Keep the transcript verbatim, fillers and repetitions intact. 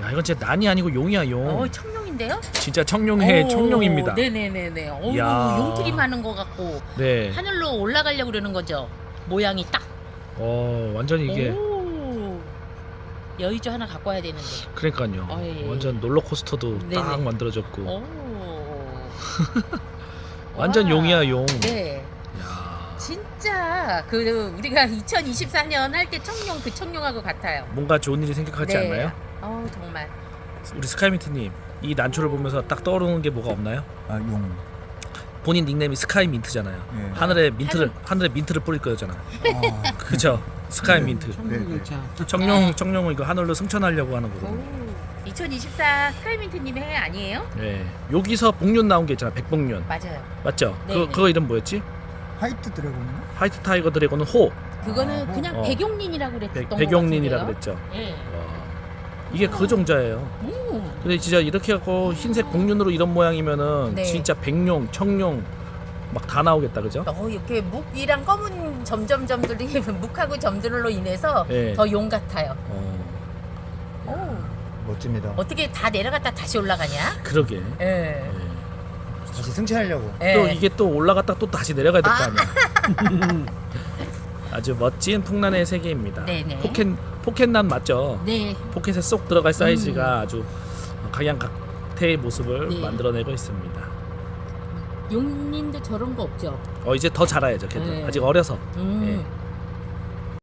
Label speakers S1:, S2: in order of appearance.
S1: 야 이건 진짜 난이 아니고 용이야 용.
S2: 어, 청룡인데요?
S1: 진짜 청룡의
S2: 오,
S1: 청룡입니다.
S2: 네네네네. 어우,
S1: 야.
S2: 용트림 하는 거 같고
S1: 네.
S2: 하늘로 올라가려고 그러는 거죠. 모양이 딱.
S1: 어 완전 이게
S2: 오. 여의주 하나 갖고 와야 되는데.
S1: 그러니까요.
S2: 어, 예, 예.
S1: 완전 롤러코스터도
S2: 네네.
S1: 딱 만들어졌고.
S2: 오.
S1: 완전
S2: 와.
S1: 용이야 용.
S2: 네.
S1: 야
S2: 진짜 그 우리가 이천이십사 년 할 때 청룡 그 청룡하고 같아요.
S1: 뭔가 좋은 일이 생각하지
S2: 네.
S1: 않나요?
S2: 어우 정말.
S1: 우리 스카이민트님 이 난초를 보면서 딱 떠오르는 게 뭐가 없나요?
S3: 아, 용.
S1: 본인 닉네임이 스카이민트잖아요.
S3: 예.
S1: 하늘에 민트를 하늘에 민트를 뿌릴 거잖아.
S3: 아,
S1: 그죠? 스카이민트.
S3: 네, 네.
S1: 청룡 청룡은 이거 하늘로 승천하려고 하는 거거든요.
S2: 오. 이천이십사 스카이민트님의 해 아니에요?
S1: 예. 여기서 복륜 나온 게 있잖아. 백복륜.
S2: 맞아요.
S1: 맞죠?
S2: 네,
S1: 그
S2: 네.
S1: 그거 이름 뭐였지?
S3: 화이트 드래곤인가?
S1: 화이트 타이거 드래곤은 호.
S2: 그거는
S3: 아,
S2: 그냥
S1: 어.
S2: 백용린이라고 그랬던
S1: 백,
S2: 것
S1: 백용린이라고
S2: 같은데요.
S1: 그랬죠.
S2: 예.
S1: 와. 이게 그 종자예요.
S2: 오.
S1: 근데 진짜 이렇게 갖고 흰색 복륜으로 이런 모양이면은
S2: 네.
S1: 진짜 백룡, 청룡 막 다 나오겠다, 그죠?
S2: 어, 이렇게 묵이랑 검은 점점점들이 묵하고 점들로 인해서
S1: 예.
S2: 더 용 같아요.
S1: 어,
S2: 오.
S3: 멋집니다.
S2: 어떻게 다 내려갔다 다시 올라가냐?
S1: 그러게.
S2: 예.
S1: 예.
S3: 다시 승천하려고.
S2: 예.
S1: 또 이게 또 올라갔다 또 다시 내려가야 될 거
S2: 아.
S1: 아니야. 아주 멋진 풍란의 세계입니다.
S2: 네네.
S1: 포켓 포켓난 맞죠?
S2: 네.
S1: 포켓에 쏙 들어갈 사이즈가 아주 각양각태의 모습을
S2: 네.
S1: 만들어내고 있습니다.
S2: 용린도 저런 거 없죠?
S1: 어 이제 더 자라야죠. 걔도
S2: 네.
S1: 아직 어려서.
S2: 음.
S1: 예.